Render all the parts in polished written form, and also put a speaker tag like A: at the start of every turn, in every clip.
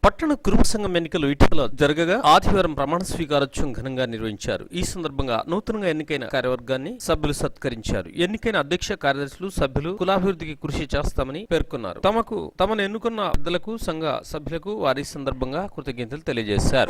A: పట్టణ కురుమ సంఘం ఎన్నికలు ఇటీవల జరగగా ఆదివారం ప్రమాణ స్వీకారోత్సవం ఘనంగా నిర్వహించారు. ఈ సందర్భంగా నూతనంగా ఎన్నికైన కార్యవర్గాన్ని సభ్యులు సత్కరించారు. ఎన్నికైన అధ్యక్ష కార్యదర్శులు సభ్యులు కులాభివృద్ధికి కృషి చేస్తామని పేర్కొన్నారు. తమను ఎన్నుకున్న పెద్దలకు సంఘ సభ్యులకు వారి సందర్భంగా కృతజ్ఞతలు తెలియజేశారు.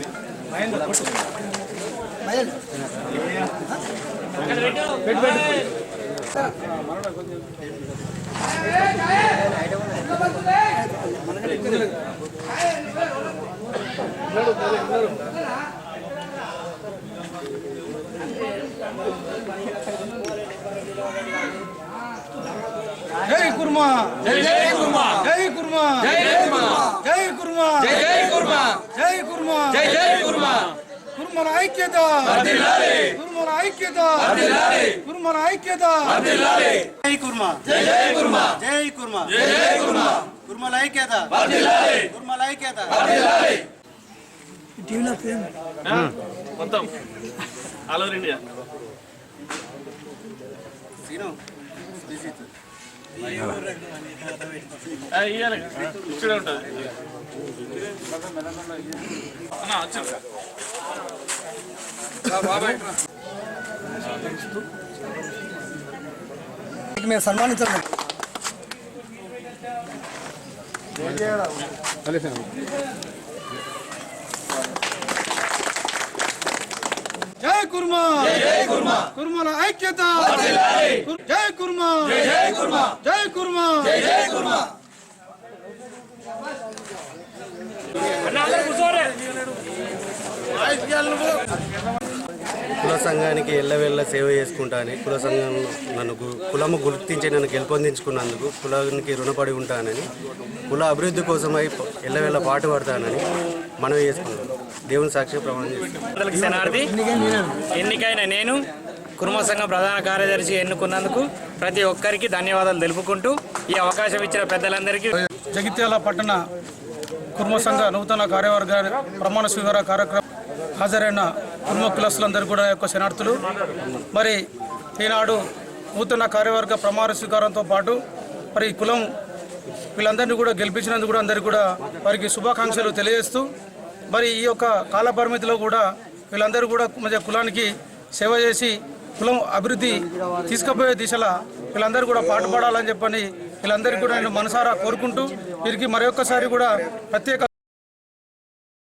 B: जय कुर्मा जय जय कुर्मा जय कुर्मा जय कुर्मा जय कुर्मा जय कुर्मा जय कुर्मा जय जय कुर्मा कुर्मन ऐक्यता वर्धिल्लाले कुर्मन ऐक्यता वर्धिल्लाले कुर्मन ऐक्यता वर्धिल्लाले जय कुर्मा जय जय कुर्मा जय कुर्मा जय जय कुर्मा कुर्मन ऐक्यता वर्धिल्लाले कुर्मन ऐक्यता वर्धिल्लाले టీవీలో ఫేమ్
C: మొత్తం ఆల్ ఓవర్ ఇండియా
B: సీను
C: ఇయ్యాలి ఇక్కడ ఉంటుంది అన్న వచ్చి బాబాయ్
B: మేము సన్మానించాలి. जय कुर्मा जय कुर्मा कुर्मन ऐक्यता वर्धिल्लाले जय कुर्मा जय कुर्मा जय कुर्मा जय जय कुर्मा
D: కుల సంఘానికి ఎల్లవెల్ల సేవ చేసుకుంటానని కుల సంఘం కులము గుర్తించి నన్ను గెలుపొందించుకున్నందుకు కులానికి రుణపడి ఉంటానని కుల అభివృద్ధి కోసమై ఎల్లవెల్ల పాటు పడతానని మనవి చేసుకుంటాను. దేవుని సాక్షి ప్రమాణం చేస్తాను.
E: ఎన్నికైన నేను కుర్మ సంఘం ప్రధాన కార్యదర్శి ఎన్నుకున్నందుకు ప్రతి ఒక్కరికి ధన్యవాదాలు తెలుపుకుంటూ ఈ అవకాశం ఇచ్చిన పెద్దలందరికీ
B: జగిత్యాల పట్టణ కుర్మ సంఘ నూతన కార్యవర్గ ప్రమాణ స్వీకార కార్యక్రమం హాజరైన కుర్మ కులస్తులందరూ కూడా యొక్క శనార్థులు. మరి ఈనాడు నూతన కార్యవర్గ ప్రమాణ స్వీకారంతో పాటు మరి కులం వీళ్ళందరినీ కూడా గెలిపించినందుకు కూడా అందరికీ కూడా వారికి శుభాకాంక్షలు తెలియజేస్తూ మరి ఈ యొక్క కాల పరిమితిలో కూడా వీళ్ళందరూ కూడా మంచి కులానికి సేవ చేసి కులం అభివృద్ధి తీసుకుపోయే దిశలో వీళ్ళందరూ కూడా పాటుపడాలని చెప్పని వీళ్ళందరికీ కూడా నేను మనసారా కోరుకుంటూ వీరికి మరొకసారి కూడా ప్రత్యేక